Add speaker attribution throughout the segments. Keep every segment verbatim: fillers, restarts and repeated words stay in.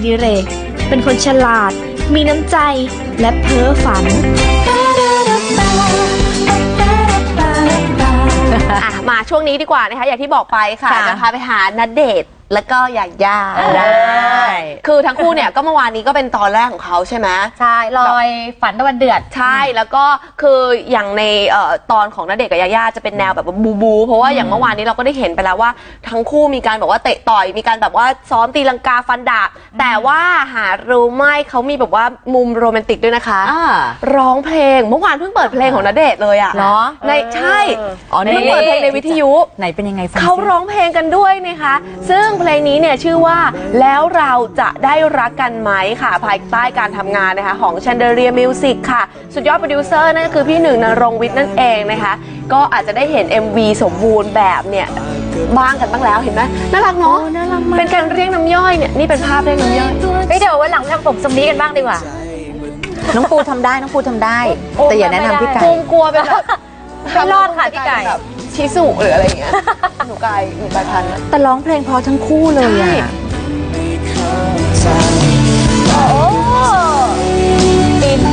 Speaker 1: ดิเรกเป็นคนฉลาดมีน้ำใจและเพ้อฝัน
Speaker 2: มาช่วงนี้ดีกว่านะคะอย่างที่บอกไปค่ะจะพาไปหาณเดชน์แล้วก็หยาย่าได้คือทั้งคู่เนี่ยก็เมื่อวานนี้ก็เป็นตอนแรกของเขาใช่ไหม
Speaker 3: ใช่ลอยฝันตะวันเดือด
Speaker 2: ใช่แล้วก็คืออย่างในตอนของณเดชน์กับหยาย่าจะเป็นแนวแบบบูบูเพราะว่าอย่างเมื่อวานนี้เราก็ได้เห็นไปแล้วว่าทั้งคู่มีการแบบว่าเตะต่อยมีการแบบว่าซ้อมตีลังกาฟันดาบแต่ว่าหารู้ไหมเขามีแบบว่ามุมโรแมนติกด้วยนะคะร้องเพลงเมื่อวานเพิ่งเปิดเพลงของณเดชน์เลยอ่ะ
Speaker 3: เนาะ
Speaker 2: ในใช่เพิ่งเปิดเพลงในวิทยุ
Speaker 3: ไหนเป็นยังไงฟัง
Speaker 2: เขาร้องเพลงกันด้วยนะคะซึ่งเพลงนี้เนี่ยชื่อว่าแล้วเราจะได้รักกันไหมค่ะภายใต้การทำงานนะคะของ Chandelier Music ค่ะสุดยอดโปรดิวเซอร์นั่นก็คือพี่หนึ่งณรงค์วิทย์นั่นเองนะคะก็อาจจะได้เห็น เอ็ม วี สมบูรณ์แบบเนี่ยบ้างกันบ้างแล้วเห็นไหมน่ารักเนาะเป็นการเรียกน้ำย่อยเนี่ยนี่เป็นภาพเรียกน้ำย่อย
Speaker 3: ไปเดี๋ยววันหลังทำผมทรงนี้กันบ้างดีกว่า
Speaker 4: น้องปูทำได้น้องปูทำได้แต่อย่าแนะนำพี่ไก่
Speaker 2: กลัวเป็นแบบ
Speaker 3: ไม่รอดค่ะพี่ไก่
Speaker 2: ชิสุหรืออะไรอย่างเงี้ยหนูไก่หนูไก่พันธุ์
Speaker 4: แต่ร้องเพลงพอทั้งคู่เลยอ่ะ
Speaker 3: โอ้อิน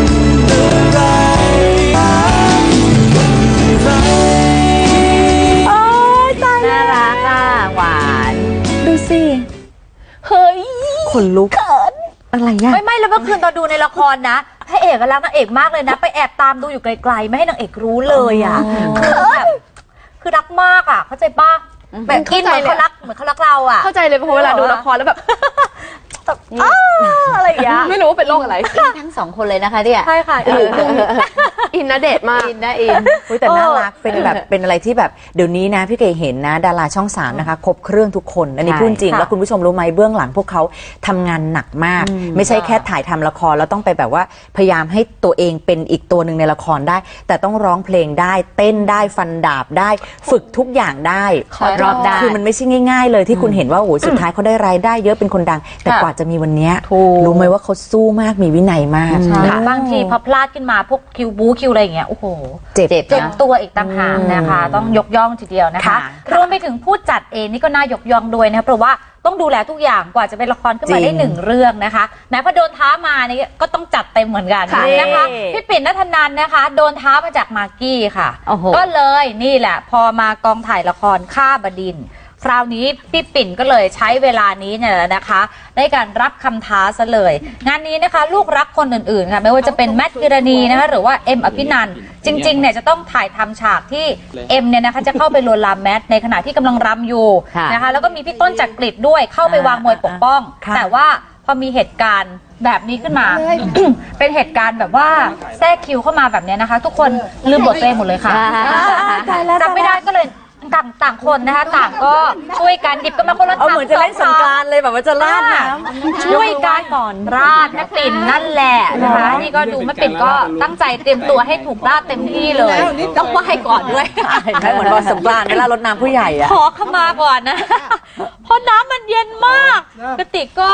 Speaker 4: โอ้ยตายน่ารักอ่ะหวานดูสิ
Speaker 2: เฮ้ย
Speaker 4: ขนลุกอะไรอ่ะ
Speaker 3: ไม่ไม่แล้วเมื่อคืนตอนดูในละครนะพระเอกรักนางเอกมากเลยนะไปแอบตามดูอยู่ไกลๆไม่ให้นางเอกรู้เลยอ่ะคือแบบคือรักมากอ่ะเข้าใจป่ะแบบอินเหมือนเขารักเหมือนเขารักเราอ่ะ
Speaker 2: เข้าใจเลยเพราะเวลาดูละครแล้วแบบอะไรอย่างเงี้ยไม่รู้ว่าเป็นโรคอะไร
Speaker 4: ทั้งสองคนเลยนะคะเนี่ย
Speaker 3: ใช่ค่ะ
Speaker 2: อินณเดชน์มาก
Speaker 4: อินนะอินแต่น่ารักเป็นแบบเป็นอะไรที่แบบเดี๋ยวนี้นะพี่เก๋เห็นนะดาราช่องสามนะคะครบเครื่องทุกคนอันนี้พูดจริงแล้วคุณผู้ชมรู้ไหมเบื้องหลังพวกเขาทำงานหนักมากไม่ใช่แค่ถ่ายทำละครแล้วต้องไปแบบว่าพยายามให้ตัวเองเป็นอีกตัวหนึ่งในละครได้แต่ต้องร้องเพลงได้เต้นได้ฟันดาบได้ฝึกทุกอย่างได้
Speaker 3: รอบได้
Speaker 4: คือมันไม่ใช่ง่ายๆเลยที่คุณเห็นว่าโอ้สุดท้ายเขาได้รายได้เยอะเป็นคนดังแต่กว่าจะมีวันนี้รู้ไหมว่าเขาสู้มากมีวินัยมาก
Speaker 3: บางทีพอพลาดขึ้นมาพวกคิวบูคิวอะไรอย่างเงี้ยโอ้โห
Speaker 4: เจ็บ
Speaker 3: เจ็บตัวอีกต่างหากนะคะต้องยกย่องทีเดียวนะคะรวมไปถึงผู้จัดเองนี่ก็น่ายกย่องด้วยนะคะเพราะว่าต้องดูแลทุกอย่างกว่าจะเป็นละครขึ้นมาได้หนึ่งเรื่องนะคะแม้พอโดนท้ามานี่ก็ต้องจัดเต็มเหมือนกันนะคะพี่ปิ่นณัฐนันนะคะโดนท้ามาจากมากกี้ค่ะก็เลยนี่แหละพอมากองถ่ายละครฆ่าบดินทร์คราวนี้พี่ปิ่นก็เลยใช้เวลานี้เนี่ยนะคะในการรับคำท้าซะเลยงานนี้นะคะลูกรักคนอื่นๆค่ะไม่ว่าจะเป็นแมทพิรณีนะคะหรือว่าเอ็มอภินันท์จริงๆเนี่ยจะต้องถ่ายทำฉากที่เอ็มเนี่ยนะคะจะเข้าไปลวนลามแมทในขณะที่กำลังรำอยู่นะคะแล้วก็มีพี่ต้นจักริดด้วยเข้าไปวางมวยปกป้องแต่ว่าพอมีเหตุการณ์แบบนี้ขึ้นมา เป็นเหตุการณ์แบบว่าแทรกคิวเข้ามาแบบนี้นะคะทุกคนลืมบทตัวเองหมดเลยค่ะจำไม่ได้ก็เลยต่างต่างคนนะคะต่างก็ช่วยกันหยิบกันมาคนละถัง
Speaker 4: เหมือนจะเล่นสงกรานต์เลยแบบว่าจะราดน้
Speaker 3: ำช่วยกันก่อนราดแม่ปิ่นนั่นแหละนะคะนี่ก็ดูแม่ปิ่นก็ตั้งใจเตรียมตัวให้ถูกราดเต็มที่เลยต้องไหว้ก่อนด้วย
Speaker 4: เหมือนวันสงกรานต์เวลารดน้ำผู้ใหญ่อะ
Speaker 3: ขอขมาก่อนนะเพราะน้ำมันเย็นมากกระติกก็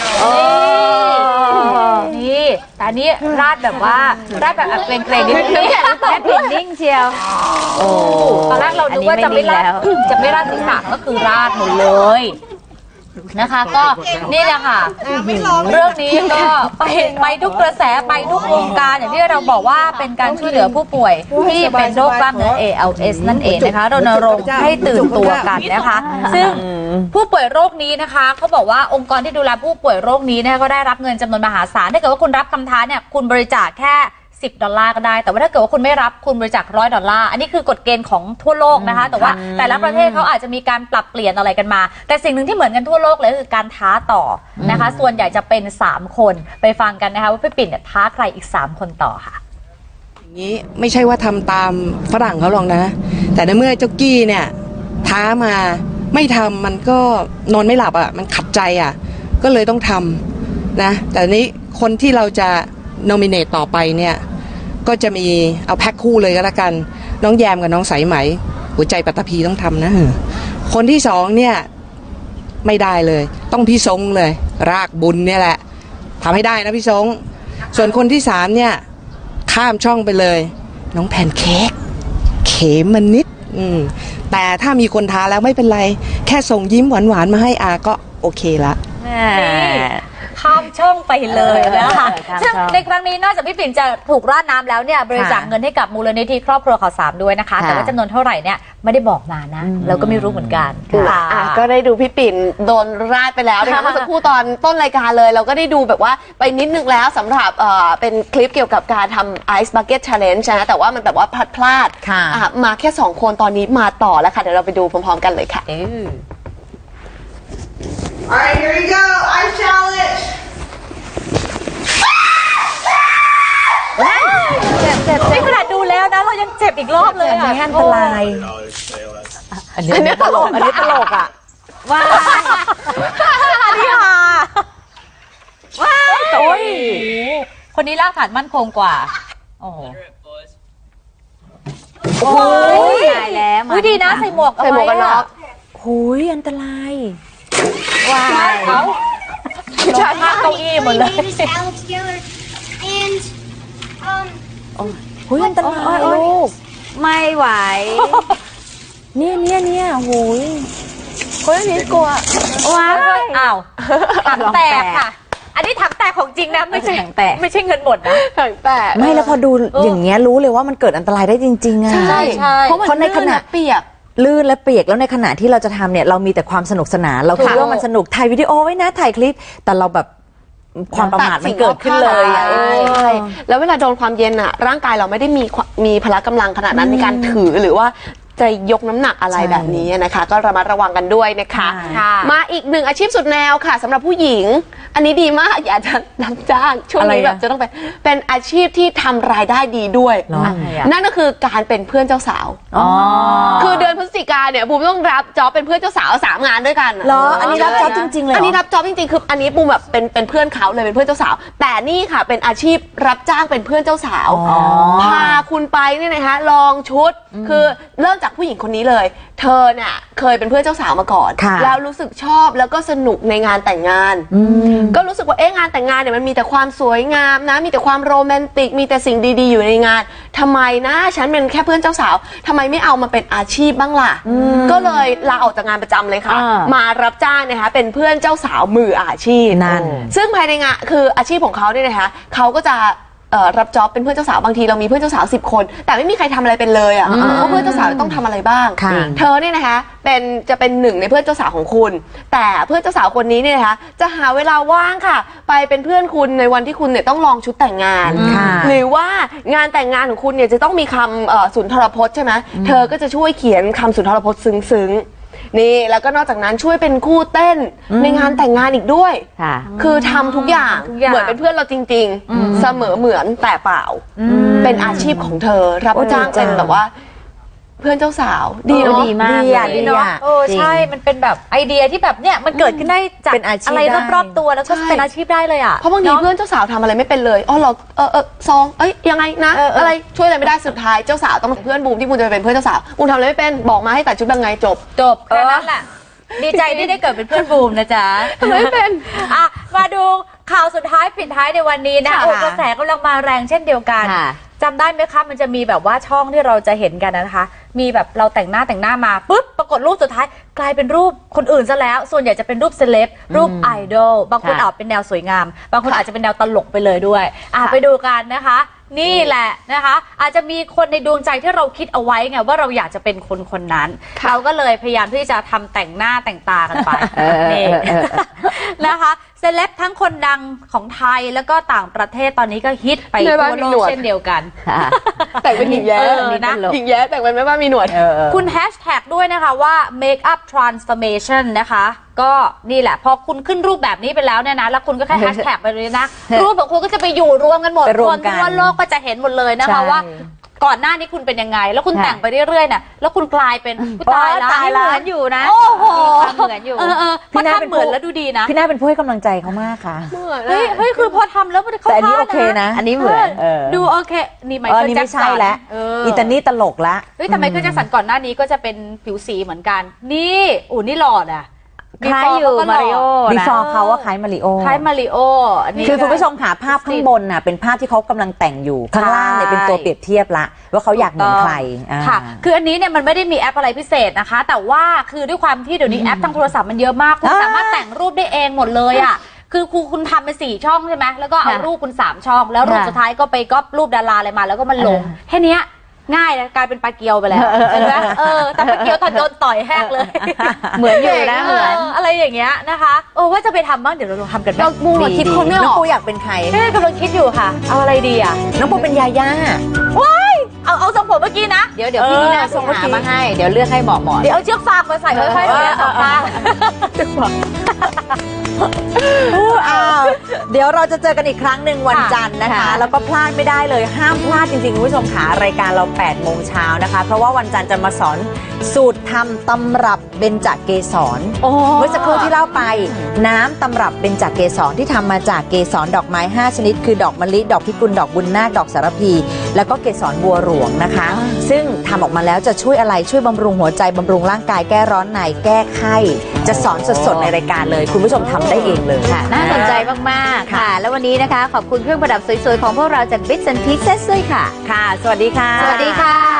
Speaker 3: นี่แต่นี้ราดแบบว่าราดแบบเกรงๆนิดนึงแม่ปิ่นนิ่งเชียวโอ้ตอนแรกเราดูว่าจะไม่ราดจะไม่ราดศีรษะก็คือราดหมดเลยนะคะก็นี่แหละค่ะเรื่องนี้ก็ไปไปทุกกระแสไปทุกวงการอย่างที่เราบอกว่าเป็นการช่วยเหลือผู้ป่วยที่เป็นโรคกล้ามเนื้อ เอ แอล เอส นั่นเองนะคะรณรงค์ให้ตื่นตัวกันนะคะซึ่งผู้ป่วยโรคนี้นะคะเขาบอกว่าองค์กรที่ดูแลผู้ป่วยโรคนี้เนี่ยก็ได้รับเงินจำนวนมหาศาลถ้าเกิดว่าคุณรับคำท้าเนี่ยคุณบริจาคแค่สิบดอลลาร์ก็ได้แต่ว่าถ้าเกิดว่าคุณไม่รับคุณบริจาคร้อยดอลลาร์อันนี้คือกฎเกณฑ์ของทั่วโลกนะคะแต่ว่าแต่ละประเทศเขาอาจจะมีการปรับเปลี่ยนอะไรกันมาแต่สิ่งหนึ่งที่เหมือนกันทั่วโลกเลยคือการท้าต่อนะคะส่วนใหญ่จะเป็นสามคนไปฟังกันนะคะว่าพี่ปิ่นเนี่ยท้าใครอีกสามคนต่อค่ะ
Speaker 5: อย่างนี้ไม่ใช่ว่าทำตามฝรั่งเขาหรอกนะแต่ในเมื่อเจ้ากี้เนี่ยท้ามาไม่ทำมันก็นอนไม่หลับอ่ะมันขัดใจอ่ะก็เลยต้องทำนะแต่นี้คนที่เราจะโนมิเนตต่อไปเนี่ยก็จะมีเอาแพ็คคู่เลยก็แล้วกันน้องแยมกับน้องสายไหมหัวใจปัตตภีต้องทำนะคนที่สองเนี่ยไม่ได้เลยต้องพี่ทรงเลยรากบุญเนี่ยแหละทำให้ได้นะพี่ทรงส่วนคนที่สามเนี่ยข้ามช่องไปเลยน้องแพนเค้กเขมมันนิดอืมแต่ถ้ามีคนท้าแล้วไม่เป็นไรแค่ส่งยิ้มหวานๆมาให้อาก็โอเคละ
Speaker 3: ข้ามช่องไปเลยนะคะ
Speaker 4: ข้ามช่อง
Speaker 3: ซึ่งในครั้งนี้นอกจากพี่ปิ่นจะถูกราดน้ำแล้วเนี่ยบริจาคเงินให้กับมูลนิธิครอบครัวข่าวสามด้วยนะคะ แต่ว่าจำนวนเท่าไหร่เนี่ยไม่ได้บอกมานะเราก็ไม่รู้เหมือนกัน
Speaker 2: อ่ะก็ได้ดูพี่ปิ่นโดนราดไปแล้วนะคะเมื่อสักครู่ตอนต้นรายการเลย เราก็ได้ดูแบบว่าไปนิดนึงแล้วสำหรับเอ่อเป็นคลิปเกี่ยวกับการทำ Ice Bucket Challenge นะแต่ว่ามันแบบว่าพลาดพลาด
Speaker 4: ค่ะ
Speaker 2: อ่ะมาแค่สองคนตอนนี้มาต่อแล้วค่ะเดี๋ยวเราไปดูพร้อมๆกันเลยค่ะ
Speaker 6: Alright, here you go. Ice challenge.
Speaker 3: นี่ขนาดดูแล้วนะเรายังเจ็บอีกรอบเลยอ่ะ
Speaker 4: อันนี้อันตรายอันนี้ตลกอันนี้ตลกอ่ะ
Speaker 3: ว้าวอันนี้ค่ะว้าวโอ้ยคนนี้รากฐานมั่นคงกว่าโอ้โหโอ้ย
Speaker 4: ตายแล้ว
Speaker 3: อุ้ยดีนะใส่หมวกเอา
Speaker 2: ใส่หมวกกันน็อก
Speaker 4: หุยอันตราย
Speaker 3: ว้าวเขาใช่เก้าอี้หมดเลย
Speaker 6: My name is Alex Geller, and um,
Speaker 4: หุยอันตรายลูก
Speaker 3: ไม่ไหว
Speaker 4: เนี่ยเนี่ยเนี่ยหุย
Speaker 2: คนนี้กลัว
Speaker 3: ว้าวอ้าวถังแตกค่ะ อันนี้ถังแตกของจริงนะไม่ใช่
Speaker 4: ถังแตก
Speaker 3: ไม่ใช่เงินหมดนะ
Speaker 2: ถังแตก
Speaker 4: ไม่แล้วพอดูอย่างเงี้ยรู้เลยว่ามันเกิดอันตรายได้จริงๆอ่ะ
Speaker 2: ใช่
Speaker 3: ใช่
Speaker 2: เพราะมัน
Speaker 4: เพราะในขณะ
Speaker 2: ลื่อเปียก
Speaker 4: ลื่นและเปียกแล้วในขณะที่เราจะทำเนี่ยเรามีแต่ความสนุกสนานเราคิด
Speaker 2: ค่ะ
Speaker 4: ว่ามันสนุกถ่ายวิดีโอไว้นะถ่ายคลิปแต่เราแบบความประมาทมันเกิดขึ้นเลยอะ
Speaker 2: ใช่ใช่แล้วเวลาโดนความเย็นอะร่างกายเราไม่ได้มีความมีพละกำลังขนาดนั้นในการถือหรือว่าจะยกน้ำหนักอะไร
Speaker 4: ใช่
Speaker 2: แบบนี้นะคะ ก็ระมัดระวังกันด้วยนะคะ
Speaker 3: ค่ะ
Speaker 2: มาอีกหนึ่งอาชีพสุดแนวค่ะสำหรับผู้หญิง อันนี้ดีมากอยากจะรับจ้างช่วงนี้
Speaker 4: อะไรอะ
Speaker 2: แบบจะต้องเป็นเป็นอาชีพที่ทำรายได้ดีด้วย
Speaker 4: เหรอ
Speaker 2: อ่ะนั่นก็คือการเป็นเพื่อนเจ้าสาว
Speaker 4: อ๋อ
Speaker 2: คือเดือนพฤศจิกาเนี่ยบูมต้องรับจ็อบเป็นเพื่อนเจ้าสาวสามงานด้วยกัน
Speaker 4: เหรออันนี้รับจ็อบจริงๆเลยเหรออั
Speaker 2: อันนี้รับจ็อบจริงๆคืออันนี้บูมแบบเป็นเป็นเพื่อนเขาเลยเป็นเพื่อนเจ้าสาว แต่นี่ค่ะเป็นอาชีพรับจ้างเป็นเพื่อนเจ้าสาว
Speaker 4: อ๋อ
Speaker 2: พาคุณไปเนี่ยนะคะลองชุดคือเริ่มจากผู้หญิงคนนี้เลย เธอเนี่ยเคยเป็นเพื่อนเจ้าสาวมาก่อน
Speaker 4: ค่ะ
Speaker 2: แล้วรู้สึกชอบแล้วก็สนุกในงานแต่งงาน ก็รู้สึกว่าเอ๊ะงานแต่งงานเนี่ยมันมีแต่ความสวยงามนะมีแต่ความโรแมนติกมีแต่สิ่งดีๆอยู่ในงานทำไมนะฉันเป็นแค่เพื่อนเจ้าสาวทำไมไม่เอามาเป็นอาชีพบ้างล่ะก็เลยลาออกจากงานประจำเลยค่ะ
Speaker 4: อ่า
Speaker 2: มารับจ้างนะคะเป็นเพื่อนเจ้าสาวมืออาชีพ
Speaker 4: นั่น
Speaker 2: ซึ่งภายในงานคืออาชีพของเขาเนี่ยนะคะเขาก็จะเอ่อรับจ็อบเป็นเพื่อนเจ้าสาวบางทีเรามีเพื่อนเจ้าสาวสิบคน แต่ไม่มีใครทำอะไรเป็นเลยอ่ะเพราะเพื่อนเจ้าสาวต้องทำอะไรบ้าง
Speaker 4: ค่ะ
Speaker 2: เธอเนี่ยนะคะเป็นจะเป็นหนึ่งในเพื่อนเจ้าสาวของคุณ แต่เพื่อนเจ้าสาวคนนี้เนี่ยนะคะจะหาเวลาว่างค่ะ ไปเป็นเพื่อนคุณในวันที่คุณเนี่ยต้องลองชุดแต่งงาน
Speaker 4: ค่ะ
Speaker 2: หรือว่างานแต่งงานของคุณเนี่ยจะต้องมีคำเอ่อสุนทรพจน์ใช่ไหมเธอก็จะช่วยเขียนคำสุนทรพจน์ซึ้งๆนี่แล้วก็นอกจากนั้นช่วยเป็นคู่เต้นในงานแต่งงานอีกด้วย
Speaker 4: ค่ะ
Speaker 2: คือทำทุกอย่าง
Speaker 3: ทุกอย่าง
Speaker 2: เหมือนเป็นเพื่อนเราจริง ๆ เสมอเหมือนแต่เปล่า เป็นอาชีพของเธอ รับ
Speaker 4: โอ้
Speaker 2: จ้าง
Speaker 4: ดีจัง
Speaker 2: เป็นแบบว่า เพื่อนเจ้าสาว ดีเนาะ
Speaker 4: ดีมาก
Speaker 3: ดีอ่ะ
Speaker 4: ดี
Speaker 3: ดี
Speaker 4: อ่ะ
Speaker 3: เนาะเออ
Speaker 4: จริง
Speaker 3: ใช่มันเป็นแบบไอเดียที่แบบเนี่ยมันเกิดขึ้นได้จาก
Speaker 4: เป็นอาชีพ
Speaker 3: อะไร
Speaker 4: ได้
Speaker 3: รอบๆตัวแล้วก็
Speaker 2: ใช่
Speaker 3: เป็นอาชีพได้เลยอ่ะ
Speaker 2: เพราะบางทีเพื่อนเจ้าสาวทำอะไรไม่เป็นเลยอ๋อเราเออเออซองเอ้ยยังไงนะ
Speaker 3: เออเอออ
Speaker 2: อะไรช่วยอะไรไม่ได้สุดท้ายเจ้าสาวต้องเป็นเพื่อนบูมที่บูมจะไปเป็นเพื่อนเจ้าสาวบูมทำอะไรไม่เป็นบอกมาให้แต่ชุดยังไงจบ
Speaker 3: จบแค่นั้นแหละดีใจที่ได้เกิดเป็นเพื่อนบูมนะจ๊ะ
Speaker 2: ทำไมไม่เป็น
Speaker 3: อ่ะมาดูข่าวสุดท้ายปิดท้ายในวันนี้นะ
Speaker 2: ค่ะ
Speaker 3: โอ้กระแสกำลังมาแรงเช่นเดียวกัน
Speaker 4: ค่ะ
Speaker 3: จำได้ไหมคะมันจะมีแบบว่าช่องที่เราจะเห็นกันนะคะ มีแบบเราแต่งหน้าแต่งหน้ามาปุ๊บปรากฏรูปสุดท้ายกลายเป็นรูปคนอื่นซะแล้ว ส่วนใหญ่จะเป็นรูปเซเลบรูปไอดอลบางคน
Speaker 4: ค่ะ
Speaker 3: อาจเป็นแนวสวยงาม บางคนอาจจะเป็นแนวตลกไปเลยด้วยอ่ะไปดูกันนะคะ นี่แหละนะคะ อาจจะมีคนในดวงใจที่เราคิดเอาไว้ไงว่าเราอยากจะเป็นคนคนนั้น เราก็เลยพยายามที่จะทำแต่งหน้าแต่งตากันไป
Speaker 4: เออ
Speaker 3: นี่
Speaker 4: เออเออ
Speaker 3: นะคะเซเลบทั้งคนดังของไทยแล้วก็ต่างประเทศตอนนี้ก็ฮิตไป
Speaker 2: ในบ้าน
Speaker 3: ทั่ว
Speaker 2: มี
Speaker 3: โล
Speaker 2: หน
Speaker 3: ก
Speaker 2: วด
Speaker 3: เช่นเดียวกัน
Speaker 4: ค่ะ
Speaker 2: แต่งเป็นหญิงแย้
Speaker 3: เออนะ
Speaker 2: หญิงแย้แต่งเป็นแม่บ้านมีหนวด
Speaker 4: เออเออ
Speaker 3: คุณแฮชแท็กด้วยนะคะว่า make up transformation นะคะ ก็นี่แหละพอคุณขึ้นรูปแบบนี้ไปแล้วเนี่ยนะ แล้วคุณก็แค่แฮชแท็กไปเลยนะ รูปของคุณก็จะไปอยู่รวมกันหมด
Speaker 4: ไปรว
Speaker 3: ค
Speaker 4: ม
Speaker 3: น
Speaker 4: กัน
Speaker 3: ทั่วโลกก็จะเห็นหมดเลยนะคะ
Speaker 4: ใช่
Speaker 3: ว่าก่อนหน้านี้คุณเป็นยังไง แล้วคุณ
Speaker 4: ค่ะ
Speaker 3: แต่งไปเรื่อยๆน่ะแล้วคุณกลายเป็นอุ๊ยตายแล้ว
Speaker 4: ตายแล้ว
Speaker 3: เหมือนอยู่นะ
Speaker 4: โอ้โห
Speaker 3: เหมือนอยู่เออเออพอทำเหมือนแล้วดูดีนะ
Speaker 4: พี่น่าเป็นผู้ให้กำลังใจเขามากค่ะ
Speaker 3: เฮ้ยเฮ้ยคือพอทำแล้วมันเข้า
Speaker 4: แต่อันนี้
Speaker 3: ท่า
Speaker 4: โอเคนะอันนี้เหมือนเออ
Speaker 3: ดูโอเคนี่ไม
Speaker 4: เออ
Speaker 3: เคิล
Speaker 4: นี่
Speaker 3: แจ็
Speaker 4: ไม่
Speaker 3: คสั
Speaker 4: ใช่
Speaker 3: น
Speaker 4: แล้ว
Speaker 3: เออ
Speaker 4: อีตานี่ตลกละ
Speaker 3: เฮ้ยแต่ไมเคิลแจ็คสันก่อนหน้านี้ก็จะเป็นผิวสีเหมือนกัน นี่อู๋นี่หล่ออ่ะ Before
Speaker 7: คล้ายอยู่
Speaker 3: เขาก็หล่อ
Speaker 7: มาริโอ
Speaker 4: บี
Speaker 7: นะ
Speaker 4: ฟอร์เขาว่าคล้ายมาริโอ
Speaker 3: คล้ายมาริโออันนี้
Speaker 4: คือคุณผู้ชมค่ะภาพข้างบนน่ะเป็นภาพที่เขากำลังแต่งอยู่ข้างล่างเนี่ยเป็นตัวเปรียบเทียบละว่าเขาอยากเหมือนใครอ่า
Speaker 3: ค่ะ คืออันนี้เนี่ยมันไม่ได้มีแอปอะไรพิเศษนะคะ แต่ว่าคือด้วยความที่เดี๋ยวนี้แอปทางโทรศัพท์มันเยอะมาก คุณ
Speaker 4: อ่า
Speaker 3: สามารถแต่งรูปได้เองหมดเลยอ่ะ คือครูคุณทำเป็นสี่ช่องใช่ไหมแล้วก็เอา
Speaker 7: ค่ะ
Speaker 3: รูปคุณสามช่อง แล้วรูป
Speaker 7: ค่ะ
Speaker 3: สุดท้ายก็ไปก๊อปรูปดาราอะไรมาแล้วก็มันลง แค่เนี้ยง่ายนะกลายเป็นปลาเกียวไปแล้วเห็นไหมเออแต่ปลาเกียวตอนโดนต่อยแห้งเลย
Speaker 7: เหมือนอยู่นะเหมือน
Speaker 3: อะไรอย่างเงี้ยนะคะโอ้ว่าจะไปทำบ้างเดี๋ยวเราลองทำกันไหม
Speaker 2: เราบูมอะคิดคนไม่อ
Speaker 4: น้อง
Speaker 2: อก
Speaker 4: ปูอยากเป็นใคร
Speaker 3: เอ๊ะกำลังคิดอยู่ค่ะ เอาอะไรดีอ่ะ
Speaker 4: น้องปูเป็นยาย่า
Speaker 3: ว้ายเอาเอาทรงผมเมื่อกี้นะ
Speaker 7: เดี๋ยวเดี๋ยวพี่นีน่าส่งหามาให้ เดี๋ยวเลือกให้เหมาะเหมาะ
Speaker 3: เดี๋ยวเอาเชือกฟางมาใส่ค่อยๆเลยสองข้าง
Speaker 4: อ้าวเดี๋ยวเราจะเจอกันอีกครั้งหนึ่งวันจันทร์นะคะ
Speaker 7: ค่ะ
Speaker 4: แล้วก็พลาดไม่ได้เลยห้ามพลาดจริงๆคุณผู้ชมค่ะรายการเราแปดโมงเช้านะคะ เพราะว่าวันจันทร์จะมาสอนสูตรทำตำรับเบญจเกสร
Speaker 3: โอ้
Speaker 4: เมื่อสักครู่ที่เล่าไปน้ำตำรับเบญจเกสรที่ทำมาจากเกสรดอกไม้ห้าชนิด คือดอกมะลิดอกพิกุลดอกบุญนาคดอกสารพี แล้วก็เกสรบัวหลวงนะคะ ซึ่งทำออกมาแล้วจะช่วยอะไรช่วยบำรุงหัวใจบำรุงร่างกายแก้ร้อนในแก้ไข้จะสอนสดๆในรายการเลยคุณผู้ชมทำได้เองเลยค่ะ
Speaker 7: น่าสนใจมากๆค่ะ แล้ววันนี้นะคะ ขอบคุณเครื่องประดับสวยๆ ของพวกเราจาก Bits and Pieces ด้วยค่ะ
Speaker 4: ค่ะ สวัสดีค่ะ
Speaker 7: สวัสดีค่ะ